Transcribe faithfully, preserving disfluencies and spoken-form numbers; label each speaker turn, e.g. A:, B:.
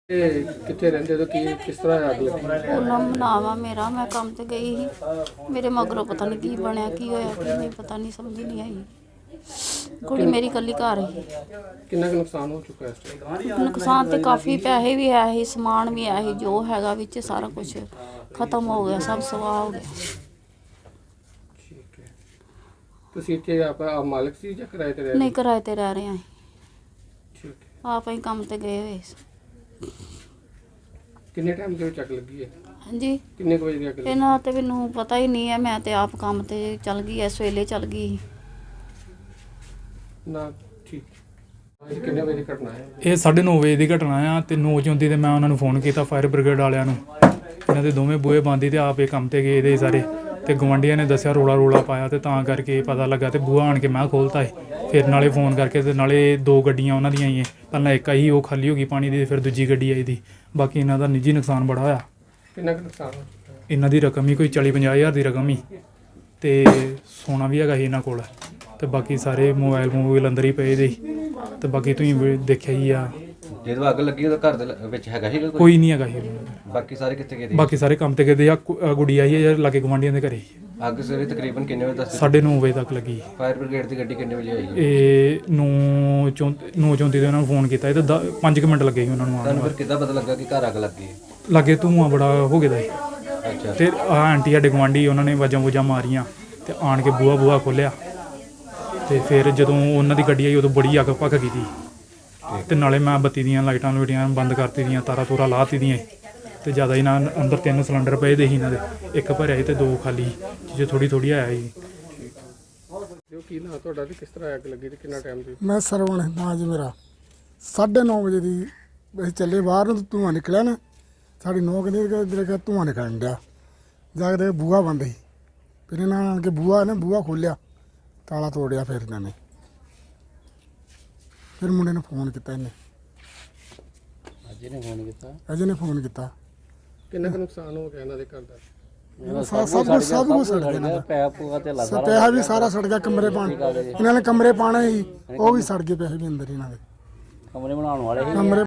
A: ਇਹ ਕਿੱਥੇ ਰਹਿੰਦੇ ਹੋ ਕੀ ਕਿਸ ਤਰ੍ਹਾਂ ਅੱਗ ਲੱਗੀ?
B: ਉਹਨਾਂ ਮਨਾਵਾ ਮੇਰਾ ਮੈਂ ਕੰਮ ਤੇ ਗਈ ਸੀ। ਮੇਰੇ ਮਗਰੋਂ ਪਤਾ ਨਹੀਂ ਕੀ ਬਣਿਆ, ਕੀ ਹੋਇਆ, ਕੀ ਨਹੀਂ ਪਤਾ ਨਹੀਂ, ਸਮਝ ਨਹੀਂ ਆਈ। ਕੁੜੀ ਮੇਰੀ ਇਕੱਲੀ ਘਰ ਸੀ।
A: ਕਿੰਨਾ ਕੁ ਨੁਕਸਾਨ ਹੋ ਚੁੱਕਾ ਇਸ ਟਾਈਮ?
B: ਨੁਕਸਾਨ ਤੇ ਕਾਫੀ, ਪੈਸੇ ਵੀ ਆਏ ਸੀ, ਸਮਾਨ ਵੀ ਆਇਆ ਸੀ, ਜੋ ਹੈਗਾ ਵਿੱਚ ਸਾਰਾ ਕੁਝ ਖਤਮ ਹੋ ਗਿਆ, ਸਭ ਸਵਾਹ ਹੋ ਗਿਆ।
A: ਠੀਕ ਹੈ। ਤੁਸੀਂ ਇੱਥੇ ਆਪ ਆਪ ਮਾਲਕ ਸੀ ਜਾਂ ਕਿਰਾਏ ਤੇ ਰਹਿ ਰਹੇ?
B: ਨਹੀਂ, ਕਿਰਾਏ ਤੇ ਰਹਿ ਰਹੇ ਹਾਂ।
A: ਠੀਕ ਹੈ।
B: ਆਪ ਹੀ ਕੰਮ ਤੇ ਗਏ ਹੋਏ ਸੀ।
A: ਕਿੰਨੇ ਟਾਈਮ ਦੇ ਵਿੱਚ ਅੱਗ ਲੱਗੀ ਹੈ?
B: ਹਾਂਜੀ,
A: ਕਿੰਨੇ ਕੁ ਵਜੇ ਦੀ ਅੱਗ ਲੱਗੀ?
B: ਇਹਨਾਂ ਤੇ ਮੈਨੂੰ ਪਤਾ ਹੀ ਨਹੀਂ ਹੈ। ਮੈਂ ਤੇ ਆਪ ਕੰਮ ਤੇ ਚੱਲ ਗਈ, ਇਸ ਵੇਲੇ ਚੱਲ ਗਈ।
A: ਨਾ ਠੀਕ। ਇਹ ਕਿੰਨੇ ਵਜੇ ਦੀ ਘਟਨਾ ਹੈ?
C: ਇਹ ਸਾਢੇ ਨੌ ਵਜੇ ਦੀ ਘਟਨਾ ਆ ਤੇ ਨੌ ਚੌਂਤੀ ਤੇ ਮੈਂ ਉਹਨਾਂ ਨੂੰ ਫੋਨ ਕੀਤਾ, ਫਾਇਰ ਬ੍ਰਿਗੇਡ ਵਾਲਿਆਂ ਨੂੰ। ਇਹਨਾਂ ਦੇ ਦੋਵੇਂ ਬੂਹੇ ਬੰਦ ਸੀ ਤੇ ਆਪ ਇਹ ਕੰਮ ਤੇ ਗਏ ਦੇ ਸਾਰੇ। ਤੇ ਗਵਾਂਢੀਆਂ ਨੇ ਦੱਸਿਆ, ਰੋਲਾ ਰੋਲਾ ਪਾਇਆ ਤੇ ਤਾਂ ਕਰਕੇ ਪਤਾ ਲੱਗਾ ਤੇ ਬੂਹਾ ਆਣ ਕੇ ਮੈਂ ਖੋਲ੍ਹਤਾ ਸੀ। ਫਿਰ ਨਾਲੇ ਫੋਨ ਕਰਕੇ ਤੇ ਨਾਲੇ ਦੋ ਗੱਡੀਆਂ ਉਹਨਾਂ ਦੀਆਂ ਆਈਆਂ। ਪਹਿਲਾਂ ਇੱਕ ਆਈ, ਉਹ ਖਾਲੀ ਹੋ ਗਈ ਪਾਣੀ ਦੀ, ਫਿਰ ਦੂਜੀ ਗੱਡੀ ਆਈ ਦੀ। ਬਾਕੀ ਇਹਨਾਂ ਦਾ ਨਿੱਜੀ ਨੁਕਸਾਨ ਬੜਾ ਹੋਇਆ।
A: ਕਿੰਨਾ ਕੁ ਨੁਕਸਾਨ ਹੋ ਚੁੱਕਾ ਹੈ?
C: ਇਹਨਾਂ ਦੀ ਰਕਮ ਹੀ ਕੋਈ ਚਾਲੀ ਪੰਜਾਹ ਹਜ਼ਾਰ ਦੀ ਰਕਮ ਹੀ, ਤੇ ਸੋਨਾ ਵੀ ਹੈਗਾ ਸੀ ਇਹਨਾਂ ਕੋਲ। ਤੇ ਬਾਕੀ ਸਾਰੇ ਮੋਬਾਈਲ ਮੋਬਾਈਲ ਅੰਦਰ ਹੀ ਪਏ ਦੇ ਸੀ। ਤੇ ਬਾਕੀ ਤੁਸੀਂ ਵੀ ਦੇਖਿਆ ਹੀ ਆ।
D: ਜਦੋਂ ਅੱਗ ਲੱਗੀ ਉਹਦਾ ਘਰ ਦੇ ਲ- ਵਿੱਚ ਹੈਗਾ ਸੀਗਾ ਕੋਈ?
C: ਕੋਈ ਨਹੀਂ ਹੈਗਾ ਸੀ।
D: ਬਾਕੀ ਸਾਰੇ ਕਿੱਥੇ ਗਏ ਸੀ?
C: ਬਾਕੀ ਸਾਰੇ ਕੰਮ ਤੇ ਗਏ ਆ। ਕੁ- ਅ ਗੁੜੀ ਆਈ ਹੈ ਯਾਰ, ਲਾਗੇ ਗਵਾਂਢੀਆਂ ਦੇ ਘਰੇ।
D: ਅੱਗ ਸਵੇਰੇ ਤਕਰੀਬਨ ਕਿੰਨੇ ਵਜੇ ਦੱਸ?
C: ਸਾਢੇ ਨੌ ਵਜੇ ਤੱਕ ਲੱਗੀ।
D: ਫਾਇਰ ਬ੍ਰਿਗੇਡ ਦੀ ਗੱਡੀ ਕਿੰਨੇ ਵਜੇ ਆਈ?
C: ਇਹ ਨੌ ਚੌਂ ਨੌ ਚੌਂਤੀ ਦੇ ਉਹਨਾਂ ਨੂੰ ਫੋਨ ਕੀਤਾ। ਇਹ ਤਾਂ ਦ- ਪੰਜ ਕੁ ਮਿੰਟ ਲੱਗੇ ਸੀ ਉਹਨਾਂ ਨੂੰ ਆਉਣ
D: ਤੁਹਾਨੂੰ ਫਿਰ
C: ਨੂੰ।
D: ਕਿੱਦਾਂ ਪਤਾ ਲੱਗਾ ਕਿ ਘਰ ਅੱਗ ਲੱਗੀ ਹੈ?
C: ਲਾਗੇ ਧੂੰਆਂ ਬੜਾ ਹੋ ਗਿਆ ਦਾ ਸੀ।
D: ਅੱਛਾ।
C: ਤੇ ਆਹ ਆਂਟੀ ਸਾਡੇ ਗੁਆਂਢੀ, ਉਹਨਾਂ ਨੇ ਵਾਜਾਂ ਵੂਜਾਂ ਮਾਰੀਆਂ ਤੇ ਆਣ ਕੇ ਬੂਹਾ ਬੂਹਾ ਖੋਲ੍ਹਿਆ। ਤੇ ਫਿਰ ਜਦੋਂ ਉਹਨਾਂ ਦੀ ਗੱਡੀ ਆਈ ਉਦੋਂ ਬੜੀ ਅੱਗ ਭੱਖ ਗਈ ਸੀ। ਤੇ ਨਾਲੇ ਮੈਂ ਬੱਤੀ ਦੀਆਂ ਲਾਈਟਾਂ ਲੂਟੀਆਂ ਬੰਦ ਕਰਤੀ ਦੀਆਂ, ਤਾਰਾਂ ਤੂਰਾਂ ਲਾਤੀ ਦੀਆਂ। ਤੇ ਜ਼ਿਆਦਾ ਹੀ ਨਾ, ਅੰਦਰ ਤਿੰਨ ਸਿਲੰਡਰ ਪਏ ਦੇ ਸੀ ਇਹਨਾਂ ਦੇ, ਇੱਕ ਭਰਿਆ ਸੀ ਤੇ ਦੋ ਖਾਲੀ, ਜੇ ਥੋੜੀ ਥੋੜੀ ਆਇਆ ਸੀ।
A: ਜੋ ਕੀ ਨਾ ਤੁਹਾਡਾ ਤੇ ਕਿਸ ਤਰ੍ਹਾਂ ਅੱਗ ਲੱਗੀ ਤੇ ਕਿੰਨਾ ਟਾਈਮ ਦੀ?
E: ਮੈਂ ਸਰਵਣ ਨਾਂ ਜੀ ਮੇਰਾ। ਸਾਢੇ ਨੌ ਵਜੇ ਦੀ ਅਸੀਂ ਚੱਲੇ ਬਾਹਰ ਨੂੰ, ਧੂੰਆਂ ਨਿਕਲਿਆ ਨਾ। ਸਾਡੀ ਨੌ ਕਹਿੰਦੇ ਇੱਧਰ ਕਿ ਧੂੰਆਂ ਨਿਕਲਣ ਡਿਆ। ਜਾ ਕੇ ਦੇਖਿਆ ਬੂਹਾ ਬੰਦ ਸੀ। ਫਿਰ ਇਹਨਾਂ ਆਣ ਕੇ ਬੂਹਾ ਨੇ ਬੂਹਾ ਖੋਲ੍ਹਿਆ, ਤਾਲਾ ਤੋੜਿਆ। ਫਿਰ ਇਹਨਾਂ ਨੇ ਫਿਰ ਮੁੰਡੇ ਨੂੰ ਫੋਨ ਕੀਤਾ। ਇਹਨੇ
F: ਅਜੇ ਨੇ ਫੋਨ ਕੀਤਾ।
E: ਅਜੇ ਨੇ ਫੋਨ ਕੀਤਾ।
A: ਕਿੰਨਾ ਕੁ ਨੁਕਸਾਨ ਹੋ ਗਿਆ ਇਹਨਾਂ ਦੇ ਘਰ ਦਾ?
E: ਸਭ ਸਭ ਕੁਛ ਸਭ ਕੁਛ ਸੜ ਗਿਆ ਇਹਨਾਂ ਦਾ।
F: ਪੈਪ ਪੂਆ ਤੇ
E: ਸ- ਪੈਸਾ ਵੀ ਸਾਰਾ ਸੜ ਗਿਆ। ਕਮਰੇ ਪਾਣ ਇਹਨਾਂ ਨੇ ਕਮਰੇ ਪਾਣੇ ਸੀ, ਉਹ ਵੀ ਸੜ ਗਏ। ਪੈਸੇ ਵੀ ਅੰਦਰ ਇਹਨਾਂ ਦੇ
F: ਕਮਰੇ ਬਣਾਉਣ ਵਾਲੇ ਸੀ।
E: ਕਮਰੇ